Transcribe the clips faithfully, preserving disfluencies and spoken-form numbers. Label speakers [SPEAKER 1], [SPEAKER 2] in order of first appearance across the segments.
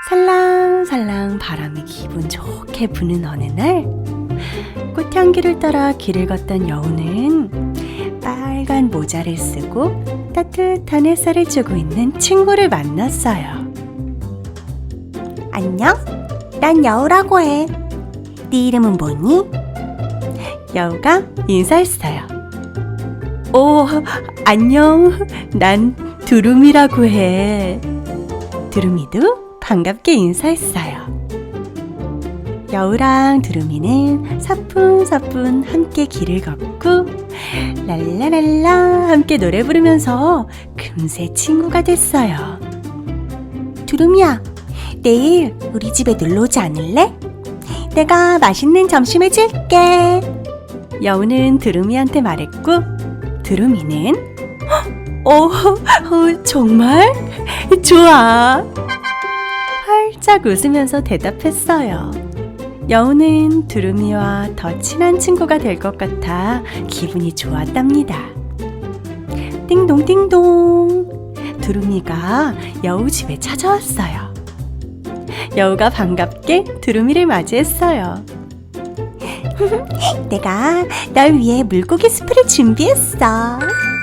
[SPEAKER 1] 살랑살랑 바람이 기분 좋게 부는 어느 날, 꽃향기를 따라 길을 걷던 여우는 빨간 모자를 쓰고 따뜻한 햇살을 쬐고 있는 친구를 만났어요.
[SPEAKER 2] 안녕? 난 여우라고 해. 네 이름은 뭐니?
[SPEAKER 1] 여우가 인사했어요. 오, 안녕. 난 두루미라고 해. 두루미도 반갑게 인사했어요. 여우랑 두루미는 사뿐사뿐 함께 길을 걷고 랄라랄라 함께 노래 부르면서 금세 친구가 됐어요.
[SPEAKER 2] 두루미야, 내일 우리 집에 놀러 오지 않을래? 내가 맛있는 점심 해줄게.
[SPEAKER 1] 여우는 두루미한테 말했고, 두루미는 어, 어, 정말? 좋아. 활짝 웃으면서 대답했어요. 여우는 두루미와 더 친한 친구가 될 것 같아 기분이 좋았답니다. 띵동띵동. 두루미가 여우 집에 찾아왔어요. 여우가 반갑게 두루미를 맞이했어요.
[SPEAKER 2] 내가 널 위해 물고기 수프를 준비했어.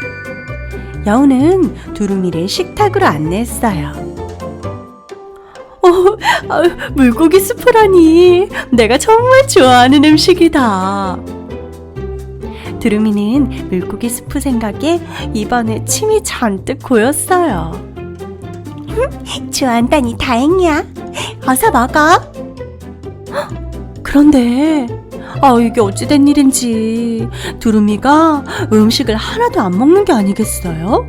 [SPEAKER 1] 여우는 두루미를 식탁으로 안내했어요. 어, 아, 물고기 수프라니. 내가 정말 좋아하는 음식이다. 두루미는 물고기 수프 생각에 입안에 침이 잔뜩 고였어요.
[SPEAKER 2] 좋아한다니 다행이야. 어서 먹어.
[SPEAKER 1] 그런데 아, 이게 어찌된 일인지 두루미가 음식을 하나도 안 먹는 게 아니겠어요?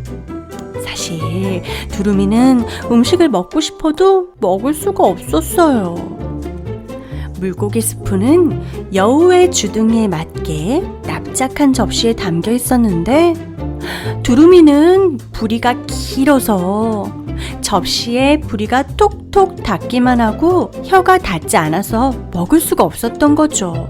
[SPEAKER 1] 사실 두루미는 음식을 먹고 싶어도 먹을 수가 없었어요. 물고기 스프는 여우의 주둥이에 맞게 납작한 접시에 담겨 있었는데, 두루미는 부리가 길어서 접시에 부리가 톡톡 닿기만 하고 혀가 닿지 않아서 먹을 수가 없었던 거죠.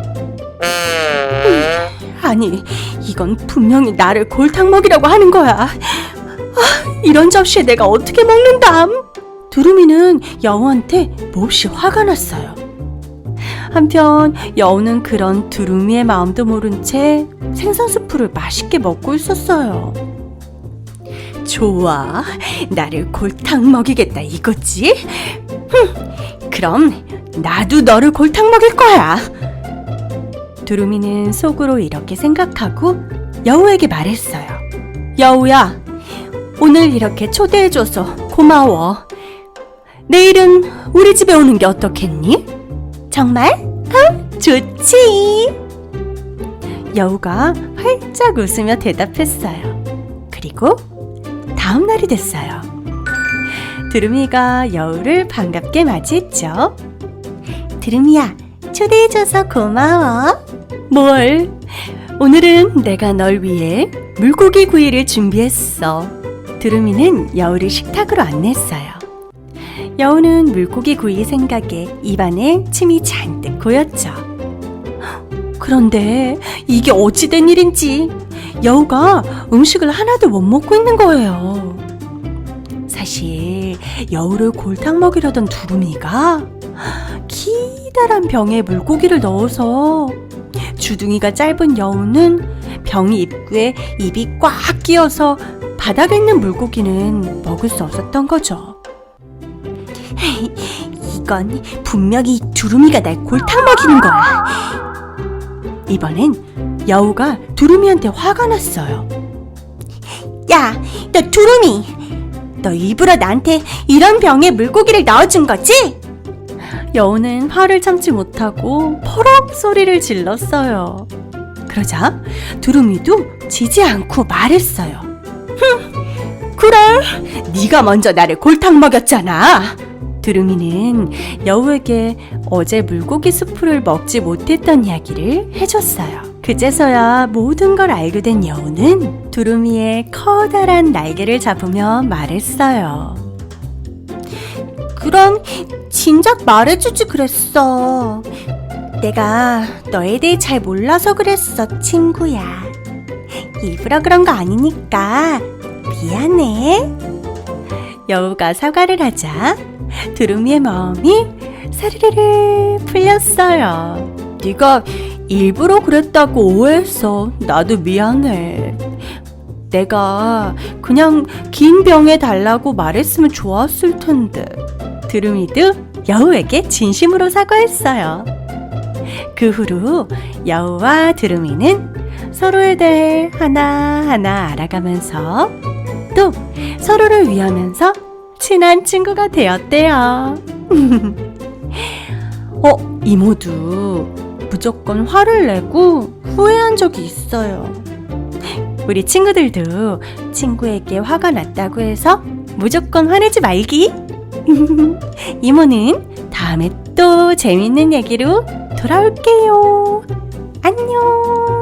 [SPEAKER 1] 아니, 이건 분명히 나를 골탕 먹이려고 하는 거야. 아, 이런 접시에 내가 어떻게 먹는담? 두루미는 여우한테 몹시 화가 났어요. 한편 여우는 그런 두루미의 마음도 모른 채 생선 수프를 맛있게 먹고 있었어요. 좋아, 나를 골탕 먹이겠다 이거지? 흠, 그럼 나도 너를 골탕 먹일 거야. 두루미는 속으로 이렇게 생각하고 여우에게 말했어요. 여우야, 오늘 이렇게 초대해줘서 고마워. 내일은 우리 집에 오는 게 어떻겠니?
[SPEAKER 2] 정말? 어, 좋지.
[SPEAKER 1] 여우가 활짝 웃으며 대답했어요. 그리고 다음 날이 됐어요. 두루미가 여우를 반갑게 맞이했죠.
[SPEAKER 2] 두루미야, 초대해줘서 고마워.
[SPEAKER 1] 뭘? 오늘은 내가 널 위해 물고기 구이를 준비했어. 두루미는 여우를 식탁으로 안냈어요. 여우는 물고기 구이 생각에 입안에 침이 잔뜩 고였죠. 그런데 이게 어찌된 일인지 여우가 음식을 하나도 못 먹고 있는 거예요. 사실 여우를 골탕 먹이려던 두루미가 기다란 병에 물고기를 넣어서 주둥이가 짧은 여우는 병 입구에 입이 꽉 끼어서 바닥에 있는 물고기는 먹을 수 없었던 거죠.
[SPEAKER 2] 이건 분명히 두루미가 날 골탕 먹이는 거야.
[SPEAKER 1] 이번엔 여우가 두루미한테 화가 났어요.
[SPEAKER 2] 야, 너 두루미! 너 일부러 나한테 이런 병에 물고기를 넣어준 거지?
[SPEAKER 1] 여우는 화를 참지 못하고 퍼럭 소리를 질렀어요. 그러자 두루미도 지지 않고 말했어요. 흠, 그래, 네가 먼저 나를 골탕 먹였잖아. 두루미는 여우에게 어제 물고기 수프를 먹지 못했던 이야기를 해줬어요. 그제서야 모든 걸 알게 된 여우는 두루미의 커다란 날개를 잡으며 말했어요.
[SPEAKER 2] 그럼 진작 말해주지 그랬어. 내가 너에 대해 잘 몰라서 그랬어, 친구야. 일부러 그런 거 아니니까 미안해.
[SPEAKER 1] 여우가 사과를 하자 두루미의 마음이 사르르르 풀렸어요. 네가 일부러 그랬다고 오해했어. 나도 미안해. 내가 그냥 긴 병에 달라고 말했으면 좋았을 텐데. 두루미도 여우에게 진심으로 사과했어요. 그 후로 여우와 두루미는 서로에 대해 하나하나 알아가면서 또 서로를 위하면서 친한 친구가 되었대요. 어, 이모도 무조건 화를 내고 후회한 적이 있어요. 우리 친구들도 친구에게 화가 났다고 해서 무조건 화내지 말기. 이모는 다음에 또 재밌는 얘기로 돌아올게요. 안녕.